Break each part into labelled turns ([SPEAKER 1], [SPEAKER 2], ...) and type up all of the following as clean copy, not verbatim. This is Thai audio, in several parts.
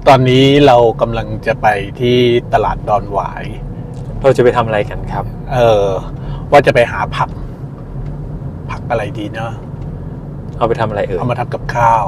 [SPEAKER 1] ตอนนี้เรากำลังจะไปที่ตลาดดอนหวาย
[SPEAKER 2] เราจะไปทำอะไรกันครับ
[SPEAKER 1] ว่าจะไปหาผักอะไรดีเนาะ
[SPEAKER 2] เอาไปทำอะไรเอ่ย
[SPEAKER 1] เอามาทำกับข้าว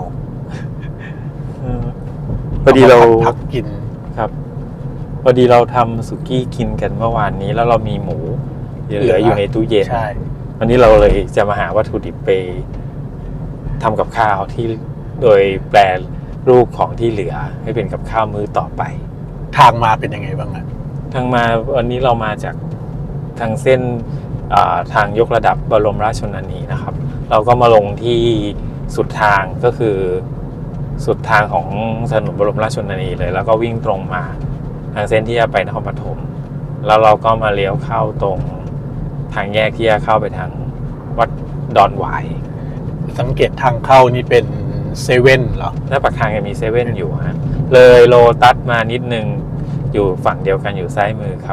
[SPEAKER 2] พอดีเรา
[SPEAKER 1] ผักกิน
[SPEAKER 2] ครับ พอดีเราทำสุกี้กินกันเมื่อวานนี้แล้วเรามีหมูเหลืออยู่ในตู้เย็น
[SPEAKER 1] ใช่
[SPEAKER 2] วันนี้เราเลยจะมาหาวัตถุดิบไปทำกับข้าวที่โดยแปลรูปของที่เหลือให้เป็นกับข้าวมื้อต่อไป
[SPEAKER 1] ทางมาเป็นยังไงบ้างอะ
[SPEAKER 2] ทางมาวันนี้เรามาจากทางเส้นทางยกระดับบรมราชชนนีนะครับ เราก็มาลงที่สุดทางก็คือสุดทางของถนนบรมราชชนนีเลย แล้วก็วิ่งตรงมาทางเส้นที่จะไปนครปฐมแล้วเราก็มาเลี้ยวเข้าตรงทางแยกที่จะเข้าไปทางวัดดอนหวาย
[SPEAKER 1] สังเกตทางเข้านี่เป็นเซเว่นเหรอ
[SPEAKER 2] หน้าปากทางยังมีเซเว่นอยู่ฮะเลยโลตัสมานิดนึงอยู่ฝั่งเดียวกันอยู่ซ้ายมือครับ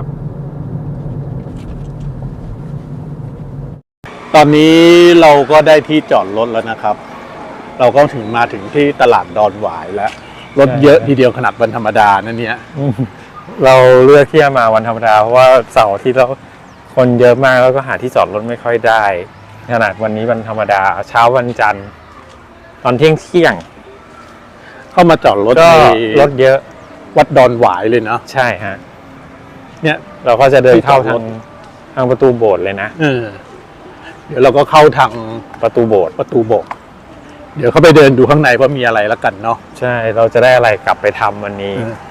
[SPEAKER 1] ตอนนี้เราก็ได้ที่จอดรถแล้วนะครับ เราก็มาถึงที่ตลาดดอนหวายแล้ว รถเยอะทีเดียวขนาดวันธรรมดานั่นเนี่ย
[SPEAKER 2] เราเลือกที่จะมาวันธรรมดาเพราะว่าเสาร์อาที่เราคนเยอะมากแล้วก็หาที่จอดรถไม่ค่อยได้ขนาดวันนี้วันธรรมดาเช้าวันจันทร์ตอนเที่ยง
[SPEAKER 1] เข้ามาจอดรถ
[SPEAKER 2] ก็
[SPEAKER 1] ใน
[SPEAKER 2] รถเยอะ
[SPEAKER 1] วัดดอนหวายเลยเนาะ
[SPEAKER 2] ใช่ฮะ
[SPEAKER 1] เนี่ย
[SPEAKER 2] เราก็จะเดินเข้า
[SPEAKER 1] ที่จอดรถ
[SPEAKER 2] ทางประตูโบสถ์เลยนะ
[SPEAKER 1] เดี๋ยวเราก็เข้าทาง
[SPEAKER 2] ประตูโบสถ์
[SPEAKER 1] ประตูโบกเดี๋ยวเข้าไปเดินดูข้างในว่ามีอะไรแล้วกันเนาะ
[SPEAKER 2] ใช่เราจะได้อะไรกลับไปทำวันนี้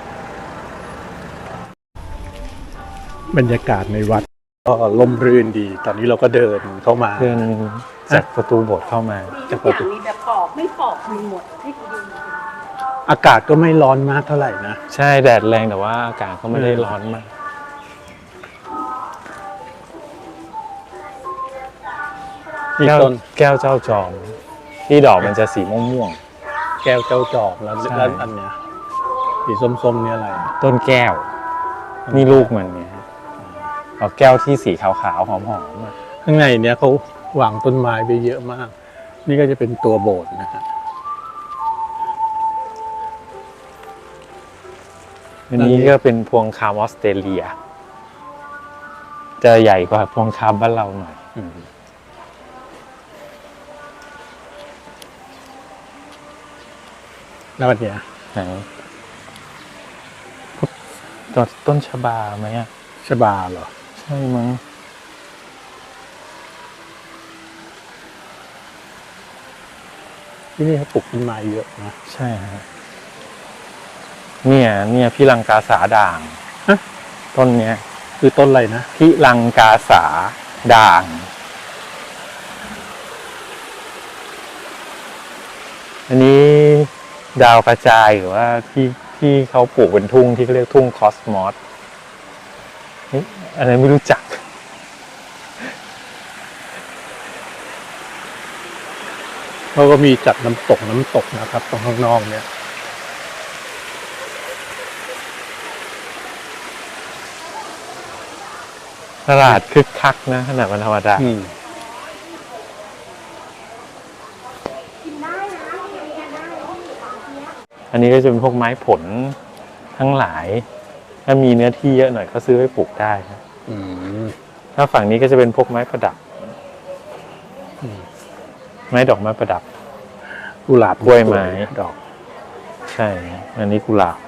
[SPEAKER 1] บรรยากาศในวัดก็ร่มรื่นดี ตอนนี้เราก็เดินเข้ามา
[SPEAKER 2] เดินจากประตูโบสถ์เข้ามา
[SPEAKER 1] จากป
[SPEAKER 3] ทุ
[SPEAKER 1] ระ
[SPEAKER 3] กอ
[SPEAKER 1] ตู
[SPEAKER 3] ย่างมีแบบปอกไม่ปอกมีหมดให้กูดู
[SPEAKER 1] อากาศก็ไม่ร้อนมากเท่าไหร่นะ
[SPEAKER 2] ใช่แดดแรงแต่ว่าอากาศก็ไม่ได้ร้อนมาก
[SPEAKER 1] มีต้น
[SPEAKER 2] แก้วเจ้าจอม ที่ดอกมันจะสีม่วง
[SPEAKER 1] แก้วเจ้าจอกแล้ว
[SPEAKER 2] ใช่
[SPEAKER 1] ด้านอันเนี้ยสีส้มๆเนี่ยอะไร
[SPEAKER 2] ๆต้นแก้ว นี่ลูกมันเนี่ยฮะเอาแก้วที่สีขาวๆหอมๆอะ
[SPEAKER 1] ข้างในเนี้ยเขาวางต้นไม้ไปเยอะมาก นี่ก็จะเป็นตัวโบสถ์นะฮะ
[SPEAKER 2] อันนี้ก็เป็นพวงคามออสเตรเลีย จะใหญ่กว่าพวงคามบ้านเราหน่อย
[SPEAKER 1] แล้วอันเนี้ย
[SPEAKER 2] ไหนต้นชบาไหมอ่ะ
[SPEAKER 1] ชบาเหรอ
[SPEAKER 2] ใช่มั้ง
[SPEAKER 1] ที่นี่เขาปลูกต้นไม้เยอะนะ
[SPEAKER 2] ใช่ฮะเนี่ยพี่ลังกาสาด่าง
[SPEAKER 1] ฮะ
[SPEAKER 2] ต้นเนี้ย
[SPEAKER 1] คือต้นอะไรนะ
[SPEAKER 2] พี่ลังกาสาด่าง อันนี้ดาวกระจายหรือว่าที่เขาปลูกเป็นทุ่งที่เขาเรียกทุ่งคอสมอสอันนี้ไม่รู้จัก
[SPEAKER 1] เขาก็มีจัดน้ำตกนะครับ ตรงข้างนอกเนี่ย
[SPEAKER 2] ตลาดคึกคักนะขนาดวันธรรมดา
[SPEAKER 3] กินได้นะกินกันได้ตามเนี้ย
[SPEAKER 2] อันนี้ก็จะเป็นพวกไม้ผลทั้งหลาย ถ้ามีเนื้อที่เยอะหน่อยก็ซื้อไว้ปลูกได้ครับ
[SPEAKER 1] อืม
[SPEAKER 2] ถ้าฝั่งนี้ก็จะเป็นพวกไม้ประดับ ไม้ดอกไม้ประดับ
[SPEAKER 1] กุหลาบ
[SPEAKER 2] กล้วยไม้
[SPEAKER 1] ดอก
[SPEAKER 2] ใช่ อันนี้กุหลาบ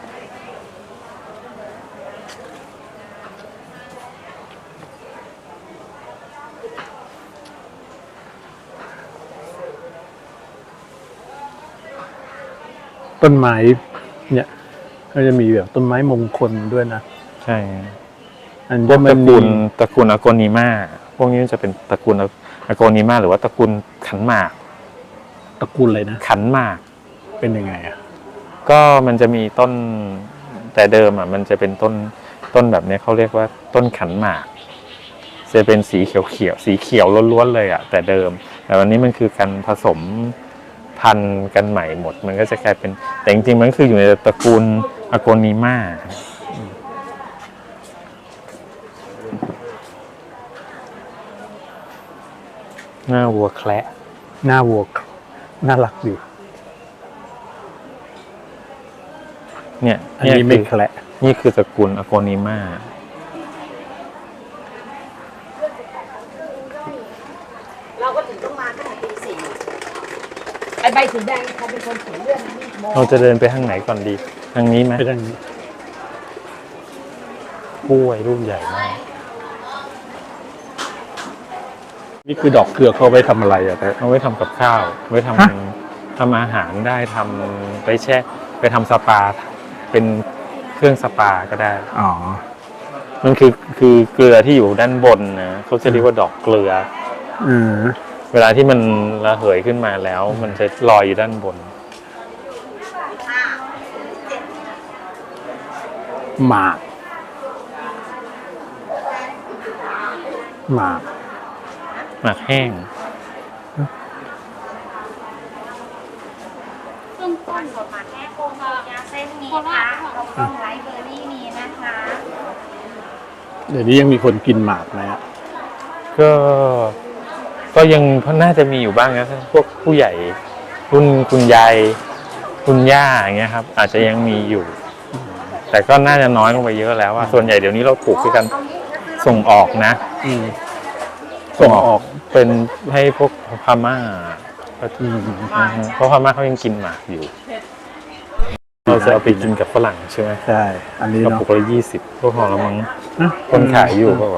[SPEAKER 1] ต้นไม้เนี่ยก็จะมีแบบต้นไม้มงคลด้วยนะ
[SPEAKER 2] ใช่
[SPEAKER 1] อัน
[SPEAKER 2] พวก
[SPEAKER 1] มั
[SPEAKER 2] ตระ
[SPEAKER 1] มี
[SPEAKER 2] กูลอโกนิมาพวกนี้จะเป็นตระกูลอโกนิมาหรือว่าตระกูลขันหมาก
[SPEAKER 1] ตระกูลอะไรนะ
[SPEAKER 2] ขันหมาก
[SPEAKER 1] เป็นยังไงอ่ะ
[SPEAKER 2] ก็มันจะมีต้นแต่เดิมอ่ะมันจะเป็นต้นแบบนี้เขาเรียกว่าต้นขันหมาก จะเป็นสีเขียวล้วนๆเลยอ่ะแต่เดิม แต่วันนี้มันคือการผสมพันธุ์กันใหม่หมด มันก็จะกลายเป็นแต่จริงๆมันก็คืออยู่ในตระกูลอโกนิมาหน้าวัวแคระ
[SPEAKER 1] หน้าวัวน่ารักดี
[SPEAKER 2] เนี่ย
[SPEAKER 1] อันนี้ไม่แคละ
[SPEAKER 2] นี่คือตระกูลอโกนิมา
[SPEAKER 3] เราก็ถึงต้องมาตั้งแต่ตีสี่ไอใบสีแดงใครเป็นคนเขียนเรื่องนี้โม
[SPEAKER 2] เราจะเดินไปทางไหนก่อนดี ทางนี้ไหม
[SPEAKER 1] ไปทางนี้
[SPEAKER 2] กล้วยลูกใหญ่มาก
[SPEAKER 1] นี่คือดอกเกลือเขาไปทำอะไรอะแต่
[SPEAKER 2] เอาไว้ทำกับข้าว ไว้ท
[SPEAKER 1] ฮะ
[SPEAKER 2] ำทำอาหารได้ทำไปแช่ไปทำสปา เป็นเครื่องสปาก็ได้
[SPEAKER 1] อ๋อ
[SPEAKER 2] มันคือเกลือที่อยู่ด้านบนนะเขาจะเรียกว่าดอกเกลือ
[SPEAKER 1] อืม
[SPEAKER 2] เวลาที่มันระเหยขึ้นมาแล้ว มันจะลอยอยู่ด้านบน
[SPEAKER 1] หมากหมาก
[SPEAKER 2] หมากแห้ง
[SPEAKER 3] ต้นต้นสดมาแค่โคโมยาเส้นมีค่ะแล้วก็ไลท์เบอร์รี่มีนะคะ
[SPEAKER 1] เดี๋ยวนี้ยังมีคนกินหมากไหมอะ
[SPEAKER 2] ก็ยังน่าจะมีอยู่บ้างนะพวกผู้ใหญ่รุ่นคุณยายคุณย่าอย่างเงี้ยครับ อาจจะยังมีอยู่ แต่ก็น่าจะน้อยลงไปเยอะแล้วว่าส่วนใหญ่เดี๋ยวนี้เราปลูกด้วยกันส่งออกนะ
[SPEAKER 1] อืมส่งออก
[SPEAKER 2] เป็นให้พวกพม่า
[SPEAKER 1] อืม
[SPEAKER 2] เพราะพม่าเขายังกินหมากอยู่ เราจะเอาไปกินกับฝรั่งใช่ไหม
[SPEAKER 1] ใช่ อันนี้
[SPEAKER 2] กระ
[SPEAKER 1] เนาะ
[SPEAKER 2] ปุกละ20พวกของเรามั้ง
[SPEAKER 1] ฮะ
[SPEAKER 2] คนขายอยู่ก็ว่า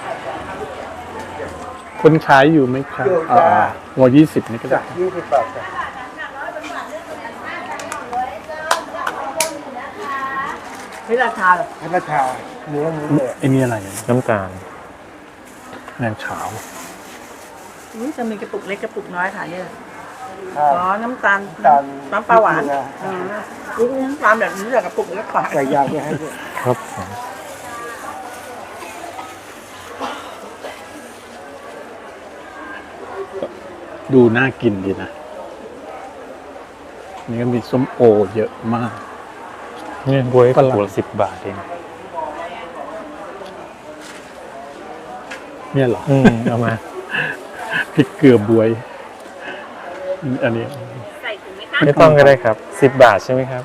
[SPEAKER 1] คนขายอยู่ไหมครับหัว20 นี่ก็ได้
[SPEAKER 4] 20 บาทจ้ะ
[SPEAKER 3] พิราชาเหรอ
[SPEAKER 4] พัฒนาชาเนื้อเลย
[SPEAKER 1] ไอ้นี่อะไรอะ
[SPEAKER 2] น้ำตาล
[SPEAKER 1] แมงขาว
[SPEAKER 5] อุ๊ยจะมีกระปุกเล็กกระปุกน้อยค่ะเนี่ย
[SPEAKER 4] ใช่
[SPEAKER 5] อ๋อ น้ำตาล
[SPEAKER 4] ตาล
[SPEAKER 5] น้ำปลาหวาน
[SPEAKER 4] เกลือ
[SPEAKER 5] อ๋ออุ๊ยน้ำตาลแบบนี้เหลือกระปุกเล็กกว่า
[SPEAKER 4] ใส่ยางไปให้ด้วย
[SPEAKER 2] ครับผม
[SPEAKER 1] ดูน่ากินดีนะ นี่ก็มีส้มโอเยอะมาก
[SPEAKER 2] เนี่ยบวยก
[SPEAKER 1] ฝ
[SPEAKER 2] ระ
[SPEAKER 1] รั่ง
[SPEAKER 2] ปุกละ10 บาทเอง
[SPEAKER 1] เนี่ยเหรอ
[SPEAKER 2] เอามา
[SPEAKER 1] พริกเกลือบวย อันนี้
[SPEAKER 3] ใส่ถุงไหมคะ
[SPEAKER 2] ไม่ต้องก็ได้ครับ 10 บาทใช่ไหมครับ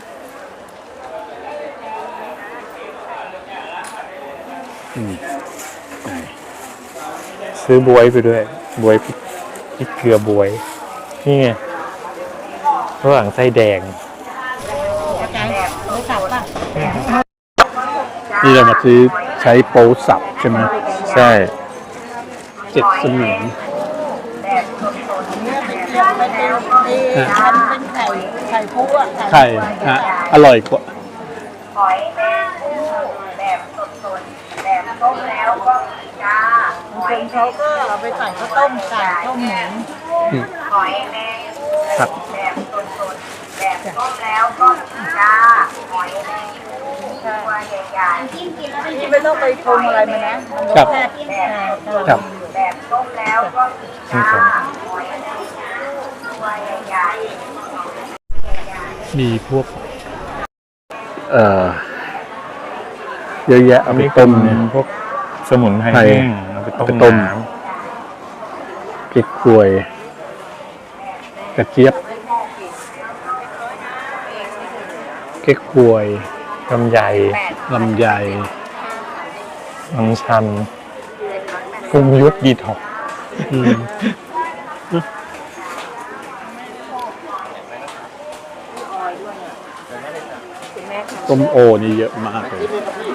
[SPEAKER 1] อืมไหน
[SPEAKER 2] ซื้อบวยไปด้วย บวยพริกเกลือบวย นี่ไงระหว่างไส้แดง
[SPEAKER 1] นี่เรามาซื้อใช้โป๊สับใช่ไหม
[SPEAKER 2] ใช่
[SPEAKER 1] 7 เสมียน
[SPEAKER 5] มันเป็นไข่พุอะ
[SPEAKER 1] ไข่ฮะอร่อยกว่า
[SPEAKER 3] หอยแมงผู้แบบสดๆแบบต้มแล้วก็มีจ้า
[SPEAKER 5] บางคนเขาก็เอาไปใส่ข้าวต้มไก่ต้มหมู
[SPEAKER 1] อืม
[SPEAKER 3] หอยแมงผู้
[SPEAKER 1] ครับ
[SPEAKER 3] แบบสดๆแบบต้มแล้วก็มีจ้าหอยแมงผู้ตัวใหญ่ๆจิ้มกินแล้ว
[SPEAKER 5] นี่ไม่ต้องไปปรุงอะไรมานะมันรสแซ่บ
[SPEAKER 1] ครับ
[SPEAKER 3] แบบต้มแล้วก็มีจ้าหอยแมงผู้ตัวใหญ่ๆ
[SPEAKER 1] มีพวก เยอะแยะเอาไปต้มเนี่ย
[SPEAKER 2] พวกสมุนไพร
[SPEAKER 1] ไพร
[SPEAKER 2] แห้งเอาไปต้ม
[SPEAKER 1] เอาไปต้ม
[SPEAKER 2] น้
[SPEAKER 1] พริกกล้วย กระเจี๊ยบเก๊กฮวย
[SPEAKER 2] ำลำไย
[SPEAKER 1] ลำไย
[SPEAKER 2] น้ำชันกุ้งยุทธดีท็อกซ์
[SPEAKER 1] อืมส้มโอนี่เยอะมากเลย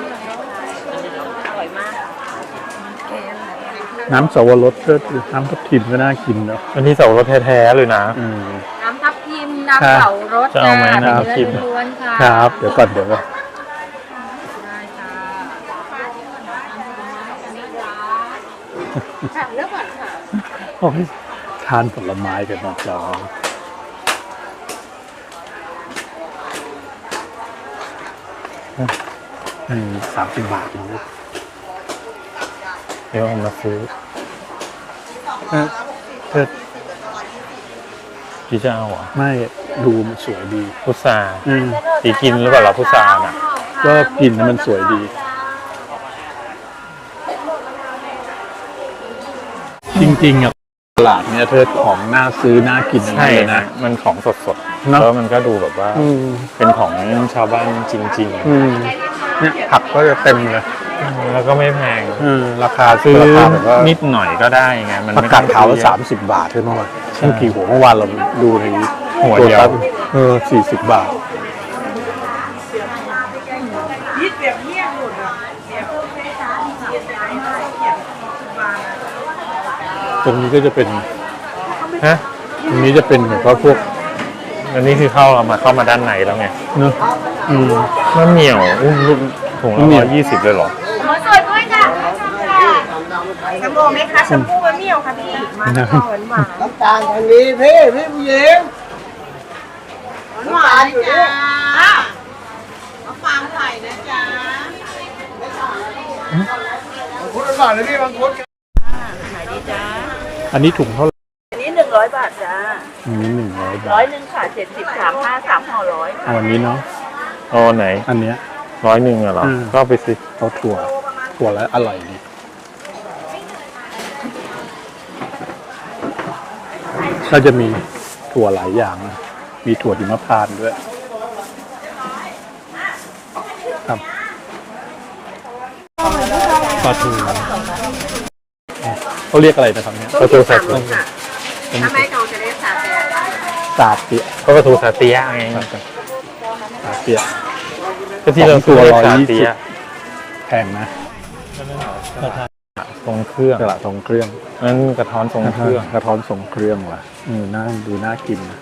[SPEAKER 1] น้ำสวรสก็น้ำทับทิมก็น่ากินเนาะ
[SPEAKER 2] อันนี้สับปะรดแท้ๆเลยนะ
[SPEAKER 1] อืม
[SPEAKER 3] น้ำทับทิมน้ำเผารส
[SPEAKER 2] จะเอาไหมน้ำทับทิม
[SPEAKER 3] เนื้อล้วนๆค่ะ
[SPEAKER 1] ครับ เดี๋ยวก่อนเดี๋ยวก่อน
[SPEAKER 3] ได้ค่ะค่ะแล้วก่อนค่ะ
[SPEAKER 1] โอ้ยทานผลไม้กันนะจ๊ะ30 บาทนะลูก
[SPEAKER 2] เดี๋ยวเอามาซื้อ
[SPEAKER 1] เออเธอ
[SPEAKER 2] พี่จะเอาเหรอ
[SPEAKER 1] ไม่ดูมันสวยดี
[SPEAKER 2] พุทรา
[SPEAKER 1] อืม
[SPEAKER 2] ตีกินหรือเปล่าเราพุทราน่ะ
[SPEAKER 1] ก็กินแล้วมันสวยดี จริงๆอ่ะตลาดเนี่ยเธอของน่าซื้อน่ากินทั้ง
[SPEAKER 2] ใช่
[SPEAKER 1] นั้นเลย
[SPEAKER 2] นะ
[SPEAKER 1] นะ
[SPEAKER 2] มันของสด
[SPEAKER 1] เนอะ
[SPEAKER 2] แล้วมันก็ดูแบบว่า
[SPEAKER 1] อืม
[SPEAKER 2] เป็นของชาวบ้านจริง
[SPEAKER 1] เนี่ยผักก็จะเต็มเลย
[SPEAKER 2] ๆ แล้วก็ไม่แพง
[SPEAKER 1] ราคา
[SPEAKER 2] ซื้อ
[SPEAKER 1] ราคาแบบว่า
[SPEAKER 2] นิดหน่อยก็ได้ไงมัน
[SPEAKER 1] ผัก
[SPEAKER 2] ไม่
[SPEAKER 1] กา
[SPEAKER 2] ต้
[SPEAKER 1] ด
[SPEAKER 2] อง
[SPEAKER 1] ขาวละ
[SPEAKER 2] ซื้อเยอะ
[SPEAKER 1] 30 บาทใช่ไหมวะทั้งกี่หัวเมื่อวานเราดูใน
[SPEAKER 2] หัวเดียว
[SPEAKER 1] ตั40 บาท ตรงนี้ก็จะเป็น
[SPEAKER 2] ฮะ
[SPEAKER 1] ตรงนี้จะเป็นแบบว่าพวก
[SPEAKER 2] อันนี้คือเข้ามาด้านในแล้วไง
[SPEAKER 1] เนอะอืม
[SPEAKER 2] มะเหมี่ยวถุงละ
[SPEAKER 1] มะเหมี่ยว
[SPEAKER 2] 120เลยเหรอ
[SPEAKER 3] หมูสดด้วยจ้ะแชมพูไหมคะแชมพูมะเมี่ยวค่ะพี่มาหวานหวาน
[SPEAKER 4] น้ำตาลทางนี้พี่ผู้หญิง
[SPEAKER 5] หวานจ้ามาฟังไข่นะจ๊ะ
[SPEAKER 4] บางคนก่อนเลยพี่บางคน
[SPEAKER 5] ไหนดีจ้า
[SPEAKER 1] อันนี้ถุงเท่าไหร่
[SPEAKER 5] อันนี้100 บาทจ้า
[SPEAKER 1] อันนี้100 บาท
[SPEAKER 5] 100ค่ะ70 35 3ห่อ100
[SPEAKER 1] เอาอันนี้เนาะ
[SPEAKER 2] อ๋อไหน
[SPEAKER 1] อันเนี้ย
[SPEAKER 2] 100อะเหรอ ก็เอาไปสิ
[SPEAKER 1] เอาถั่วแล้วอร่อยดีก็จะมีถั่วหลายอย่างนะมีถั่วหิมพานต์ด้วยครับปลาทูเขาเรียกอะไรนะครับเนี่ย
[SPEAKER 2] ปลาทูสาเตีย
[SPEAKER 3] ถ้าไม่โดนจะได้สาเตีย
[SPEAKER 1] สาเตีย
[SPEAKER 2] ก็ปลาทูสาเตียไง
[SPEAKER 1] สาเตีย
[SPEAKER 2] ก็ที่เรา
[SPEAKER 1] ตัว
[SPEAKER 2] เรียก
[SPEAKER 1] 120
[SPEAKER 2] สาเตีย
[SPEAKER 1] แพงนะ
[SPEAKER 2] ทรงเครื่อง
[SPEAKER 1] ตลาดทรงเครื่อง
[SPEAKER 2] นั่นกระท้อนทรงเครื่อง
[SPEAKER 1] กระท้อนทรงเครื่องว่ะน่าดูน่ากินนะ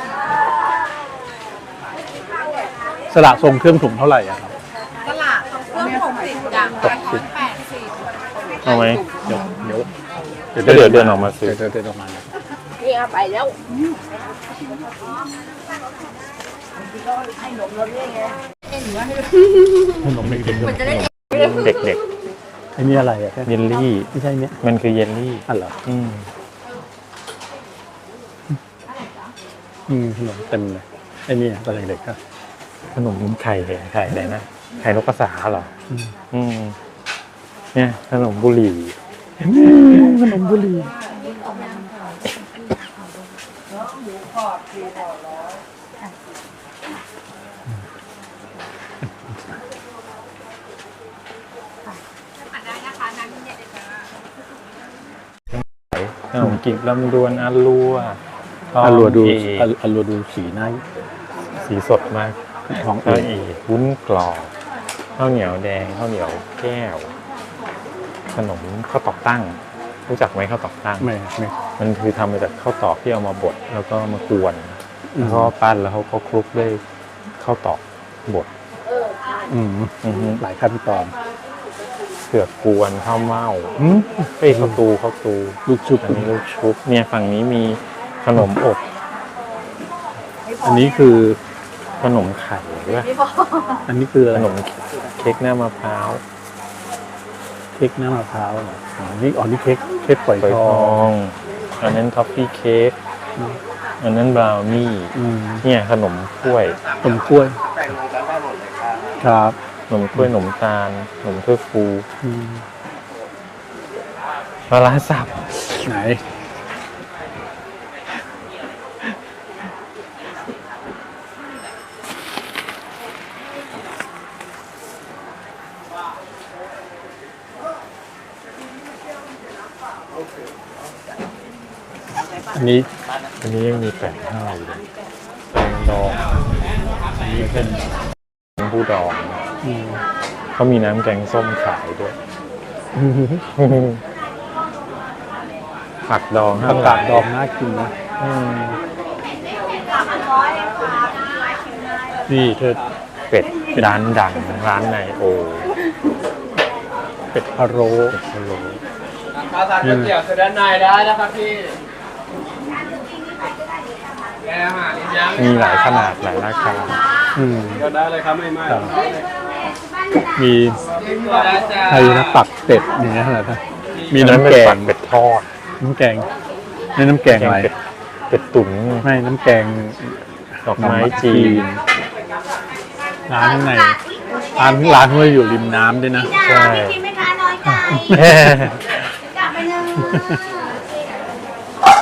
[SPEAKER 1] สละทรงเครื่องถุงเท่าไหร่อะครับ
[SPEAKER 5] ตลาดเครื่อง60จ้ะกระท้อน80
[SPEAKER 2] เอาไหม
[SPEAKER 1] เดี๋ยว
[SPEAKER 2] เดี๋ยวเดินออกมาซื้อ
[SPEAKER 1] เดินออกมา
[SPEAKER 5] นี่เอาไปแล้ว
[SPEAKER 1] ขนมเด็กๆ
[SPEAKER 2] เด็ก
[SPEAKER 1] ไอ้นี่อะไรอะ
[SPEAKER 2] ๆ เยลลี่
[SPEAKER 1] ไม่ใช่เนี้ย
[SPEAKER 2] มันคือเยลลี่
[SPEAKER 1] อันเหรอ
[SPEAKER 2] อืม
[SPEAKER 1] ขนมเต็มเลยไอ้นี่ตอนเด็กๆก็
[SPEAKER 2] ขนมไข่อะไรนะ ไข่นกกระสาเหรอ อืม เนี่ยขนมบุหรี่
[SPEAKER 1] ขนมบุหรี่
[SPEAKER 2] ขนมกิบลำดวนอาลัว
[SPEAKER 1] อัลลัวดู
[SPEAKER 2] เอ
[SPEAKER 1] อัลลัวดูสีหน้า
[SPEAKER 2] สีสดมาก
[SPEAKER 1] ของ
[SPEAKER 2] ข้าว
[SPEAKER 1] เอ
[SPEAKER 2] เอกวุ้นกรอบข้าวเหนียวแดงข้าวเหนียวแก้ว ขนมข้าวตอกตั้ง รู้จักไหมข้าวตอกตั้ง
[SPEAKER 1] ไม่
[SPEAKER 2] มันคือทำมาจากข้าวตอกที่เอามาบดแล้วก็มากวนแล้วก็ปั้นแล้วเขาก็คลุกด้วยข้าวตอกบด
[SPEAKER 1] อืม
[SPEAKER 2] อือฮึ
[SPEAKER 1] หลายขั้นตอน
[SPEAKER 2] เผือกกวนข้าวเม่าเอ้ยข้าวตู
[SPEAKER 1] ลูกชุบ
[SPEAKER 2] อันนี้ลูกชุบเนี่ยฝั่งนี้มีขนมอบ
[SPEAKER 1] อันนี้คือ
[SPEAKER 2] ขนมไข่ด้วย
[SPEAKER 1] อันนี้คืออะไร
[SPEAKER 2] ขนมเค้กหน้ามะพร้าว
[SPEAKER 1] เค้กหน้ามะพร้าวเหรอนี่เค้กฝอย
[SPEAKER 2] ฝอย
[SPEAKER 1] ท
[SPEAKER 2] ท
[SPEAKER 1] อ
[SPEAKER 2] อง งอันนั้นท็อฟฟี่เค้กอันนั้นบราวนี่ เนี่ยขนมกล้วย
[SPEAKER 1] ขนมกล้วย ครับ
[SPEAKER 2] ขนมกล้วยขนมตาลขนมถ้วยฟู
[SPEAKER 1] อืม
[SPEAKER 2] ปลาร้าสับ
[SPEAKER 1] ไหน อันนี้
[SPEAKER 2] อันนี้ยังมี85อยู่เลยแตงดองอันนี้เป็นน้ำผู้ดอง
[SPEAKER 1] อืม
[SPEAKER 2] เขามีน้ำแกงส้มขายด้วย ผักดอง
[SPEAKER 1] ผักกาดดองน่ากินนะ
[SPEAKER 2] อืม
[SPEAKER 1] นี่เธอ
[SPEAKER 2] เป็ดร้านดังร้านในโอ
[SPEAKER 1] เป็ดพะโล้
[SPEAKER 2] เป็ดพะโล้
[SPEAKER 4] ข้าวสารก๋วยเตี๋ยวคือด้านในได้นะครับพี่แกอาหารยัง
[SPEAKER 2] มีหลายขนาดหลายราคา
[SPEAKER 4] ก็ได้เลยครับไม่ไม่
[SPEAKER 1] ครับมี
[SPEAKER 4] ก็ได้จ้า
[SPEAKER 1] ไทยนะปักเป็ดอย่างเงี้ยอะไรนะมีน้ำ
[SPEAKER 2] เป็
[SPEAKER 1] แก
[SPEAKER 2] ปั
[SPEAKER 1] ง
[SPEAKER 2] เป็ดทอด
[SPEAKER 1] น้ำแกงนี่น้ำแกงอะไร
[SPEAKER 2] เป็ดตุ๋น
[SPEAKER 1] ไม่น้ำแกง
[SPEAKER 2] ดอกไม้จีน
[SPEAKER 1] ร้านข้างในร้านเขาอยู่ริมน้ำด้วยนะ
[SPEAKER 2] ใช่
[SPEAKER 3] กินไหมคะน้อยใจกลับไปเลย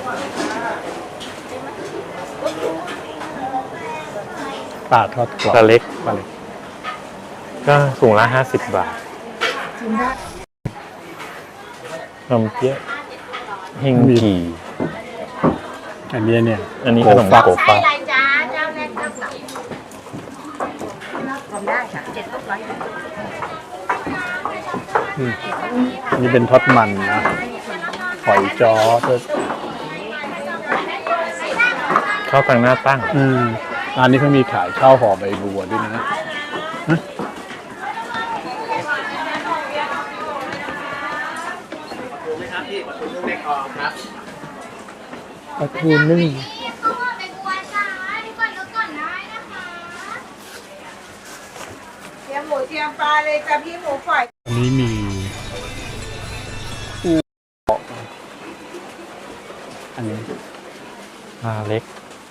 [SPEAKER 1] ปลาทอดกรอบ
[SPEAKER 2] ปลาเล็กก็ถุงละ50 บาทขนมเปี๊ยะเฮงกี
[SPEAKER 1] อันนี้เนี่ย
[SPEAKER 2] อันนี้ขนมโกฟัก
[SPEAKER 3] อะไรจ้าเจ้าแรกเจ้าสองทำได้ค่ะ700
[SPEAKER 1] อันนี้เป็นทอดมันนะหอยจ้อด้วย
[SPEAKER 2] ข้าวตังหน้าตั้ง
[SPEAKER 1] ร้านนี้เขามีขายข้าวห่อใบบัวด้วยนะ ปลาทูนึ่ง
[SPEAKER 5] เตรียมหมูเตรียมปลาเลยจ้ะพี่หมูฝอย
[SPEAKER 1] อันนี้มีอันนี้
[SPEAKER 2] ปลาเล็ก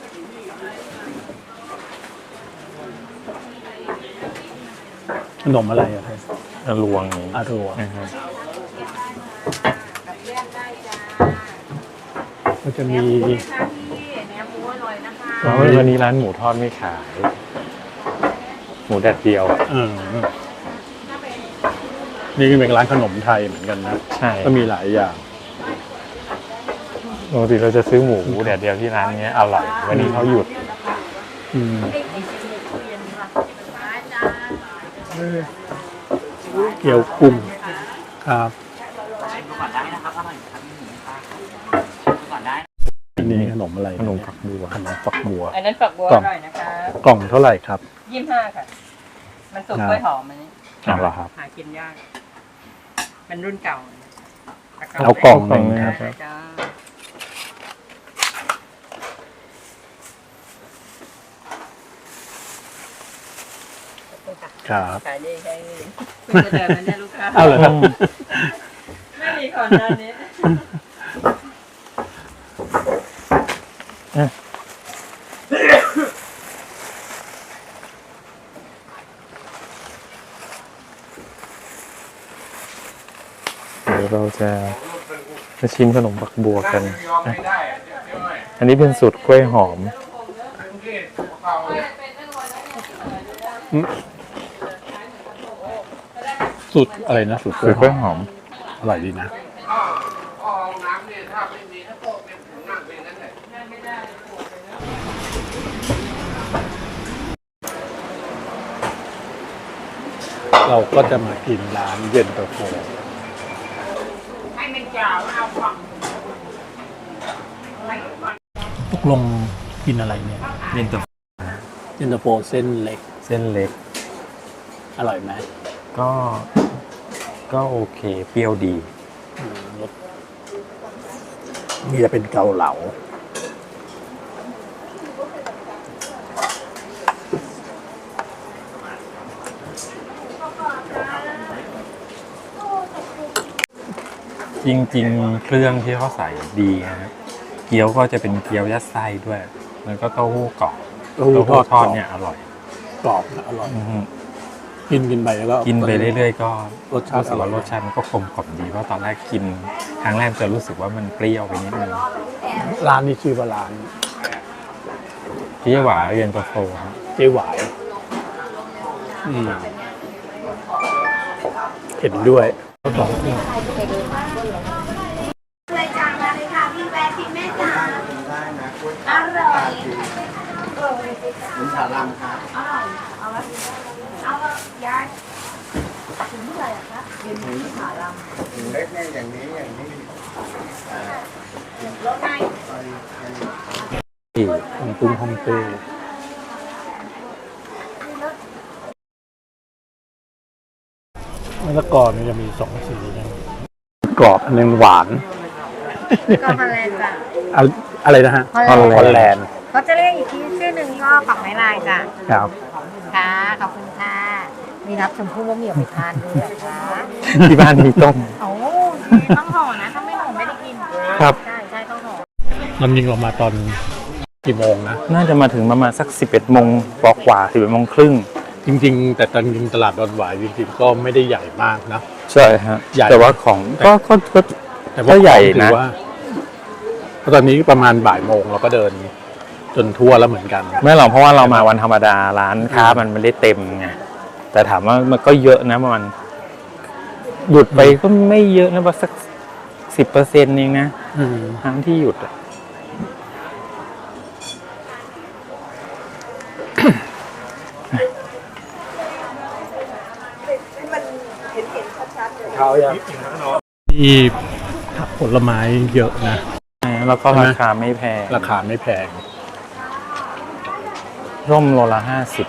[SPEAKER 1] ขนมอะไรอะครับ
[SPEAKER 2] ลวงนี้
[SPEAKER 1] อารัว
[SPEAKER 2] นะครับ
[SPEAKER 1] ก็จะมี
[SPEAKER 3] ค่ะพี่เนื้อหมูอร่อยนะคะ
[SPEAKER 2] แล้ววันนี้ร้านหมูทอดไม่ขาย หมูแดดเดียว
[SPEAKER 1] นี่ก็เป็นร้านขนมไทยเหมือนกันนะ
[SPEAKER 2] ใช่
[SPEAKER 1] ก็มีหลายอย่าง
[SPEAKER 2] ปกติเราจะซื้อหมูแดดเดียวที่ร้านนี้อร่อย วันนี้เขาหยุด
[SPEAKER 1] เกี๊ยวกุ้งครับอันนี้ขนมอะไร
[SPEAKER 2] ขนมฝักบัว
[SPEAKER 1] ขนมฝักบัว
[SPEAKER 5] อันนั้นฝักบัว
[SPEAKER 1] กล่
[SPEAKER 5] อ
[SPEAKER 1] อง
[SPEAKER 5] ร่อยนะคะ
[SPEAKER 1] กล่องเท่าไหร่ครับ
[SPEAKER 5] 25 ค่ะ มันสุกกล้วยหอมอันนี้
[SPEAKER 2] เอาละครับ
[SPEAKER 5] หากินยากเป็นรุ่นเก่า
[SPEAKER 1] เอากล่องหนึ่งครับ
[SPEAKER 5] จ้า
[SPEAKER 1] ครับ
[SPEAKER 5] ขายดีใช่เพิ่งจะเดินมาเนี่ยลูกค้า
[SPEAKER 1] เอาเลยครับ
[SPEAKER 5] ไม่มีก่อนหน้านี้
[SPEAKER 2] เดี๋ยวเราจะมาชิมขนมฝักบัวกันนะอันนี้เป็นสูตรกล้วยหอม
[SPEAKER 1] สูตรอะไรนะสูตร
[SPEAKER 2] สูตรกล้วยหอม
[SPEAKER 1] อร่อยดีนะเราก็จะมากินร้านเย็นตาโฟ
[SPEAKER 5] ให้มันยาวเอาฝั่ง
[SPEAKER 1] ตกลงกินอะไรเนี่ย
[SPEAKER 2] เย็นตาโฟ
[SPEAKER 1] เย็นตาโฟเส้นเล็ก
[SPEAKER 2] เส้นเล็ก
[SPEAKER 1] อร่อยไหม
[SPEAKER 2] ก็โอเค เปรี้ยวดี
[SPEAKER 1] รสนี่จะเป็นเกาเหลา
[SPEAKER 2] จริงๆ เครื่องที่เขาใส่ดีนะครับเกี๊ยวก็จะเป็นเกี๊ยวยัดไส้ด้วย แล้วก็เต้าหู้กรอบ
[SPEAKER 1] เต้าหู้
[SPEAKER 2] เต้าหู้ทอด
[SPEAKER 1] กรอบ
[SPEAKER 2] เนี่ยอร่อย
[SPEAKER 1] กรอบนะอร่อย
[SPEAKER 2] อือฮึ
[SPEAKER 1] กินไปแล้วก็
[SPEAKER 2] กินไปเรื่อยๆ ก็
[SPEAKER 1] รสชาติ
[SPEAKER 2] รู้สึกว่า
[SPEAKER 1] อร่อย
[SPEAKER 2] รสชาติมันก็กลมกล่อมดีเพราะตอนแรกกินครั้งแรกจะรู้สึกว่ามันเปรี้ยวไปนิดนึง
[SPEAKER 1] ร้านนี้ชื่อว่าร้าน
[SPEAKER 2] พี่หวาเย็นตาโฟครับ
[SPEAKER 1] เจ๊หวายเห็นด้วย
[SPEAKER 3] เลยจ้ามาเลยค่ะพี่แวะพี่แม่จ๋าอร่อยเอายายถึงเมื่อไหร่อะคะเย็นนี้ขาลำเล็กเนี่ยอย่างนี้รถไง
[SPEAKER 2] ที่
[SPEAKER 1] ของตุ้งฮ่องเต้มะละกอนี่จะมีสองสีนะกรอบอันหนึงหวาน
[SPEAKER 3] ก็ฮอลแลนด์จ้ะ
[SPEAKER 1] อะไรนะฮะ
[SPEAKER 3] ฮอลแลนด์
[SPEAKER 1] แลนด์
[SPEAKER 3] เขาจะเรียกอีกชื่อหนึ่งก็ปักไม้ลายจ้ะ
[SPEAKER 1] ครับ
[SPEAKER 3] ค่ะขอบคุณค่ะมีรับชมพู่มะเหมี่ยวไปทานด้วยนะคะ
[SPEAKER 2] ที่บ้านมีต้ม
[SPEAKER 3] โอ้ต้องห่อนะถ้าไม่ห่อไม่ได้กิน
[SPEAKER 2] ครับ
[SPEAKER 3] ใช่ใช่ต้องห่อ
[SPEAKER 1] มันยิงออกมาตอนกี่โมงนะ
[SPEAKER 2] น่าจะมาถึงประมาณสัก 11 โมงกว่า 11 โมงครึ่ง
[SPEAKER 1] จริงๆ แต่ตอนจริงตลาดดอนหวายจริงๆก็ไม่ได้ใหญ่มากนะ
[SPEAKER 2] ใช่ฮะ
[SPEAKER 1] ใหญ่
[SPEAKER 2] แต่ว่าของก็
[SPEAKER 1] แต่
[SPEAKER 2] ก็ใหญ่
[SPEAKER 1] ถื
[SPEAKER 2] นะ
[SPEAKER 1] อว่าตอนนี้ประมาณบ่ายโมงเราก็เดินจนทั่วแล้วเหมือนกัน
[SPEAKER 2] ไม่หรอกเพราะว่าเรามาวันธรรมดาร้านค้ามันไม่ได้เต็มไงแต่ถามว่ามันก็เยอะนะมันหยุดไปก็ไม่เยอะนะว่าสัก10%เองนะทั้งที่หยุดอะ
[SPEAKER 1] ที่ผักผลไม้เยอะนะ
[SPEAKER 2] แล้วก็ราคาไม่แพง
[SPEAKER 1] ราคาไม่แพง
[SPEAKER 2] ร่มโลละ50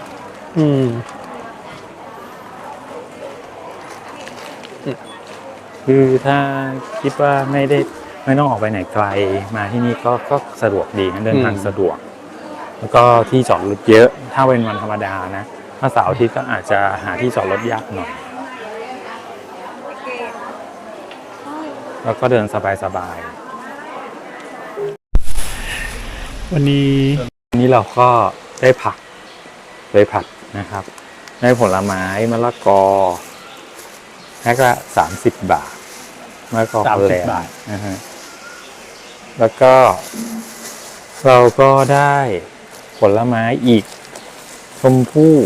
[SPEAKER 2] คือถ้าคิดว่าไม่ต้องออกไปไหนไกลมาที่นี่ก็สะดวกดีนะเดินทางสะดวก แล้วก็ที่จอดรถเยอะถ้าเป็นวันธรรมดานะถ้าเสาร์อาทิตย์ก็อาจจะหาที่จอดรถยากหน่อยแล้วก็เดินสบายๆ
[SPEAKER 1] วันนี้
[SPEAKER 2] วันนี้เราก็ได้ผักเลยผัดนะครับ ได้ผลไม้มะละกอแพ็คละ30 บาทมะละกอฮอลแลนด์
[SPEAKER 1] บาท
[SPEAKER 2] นะฮะแล้วก็เราก็ได้ผลไม้อีกชมพู่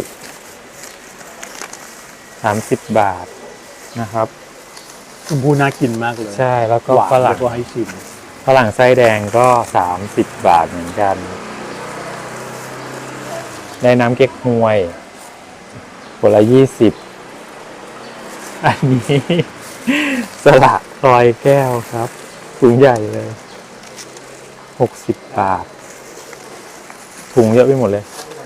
[SPEAKER 2] 30 บาทนะครับ
[SPEAKER 1] ชมพูน่ากินมากเลย
[SPEAKER 2] ใช่แล้วก็
[SPEAKER 1] หวาน
[SPEAKER 2] ฝรั่
[SPEAKER 1] แล้
[SPEAKER 2] ง
[SPEAKER 1] วก็ให้ชิม
[SPEAKER 2] ฝรั่งไส้แดงก็30 บาทเหมือนกัน ได้น้ำเก๊กฮวยขวดละ20อันนี้สละรอยแก้วครับถุงใหญ่เลย60 บาทถุงเยอะไปหมดเลย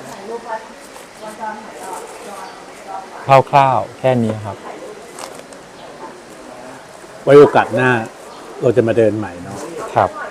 [SPEAKER 2] คร่าวๆแค่นี้ครับ
[SPEAKER 1] ไว้โอกาสหน้า เราจะมาเดินใหม่เนาะ
[SPEAKER 2] ครับ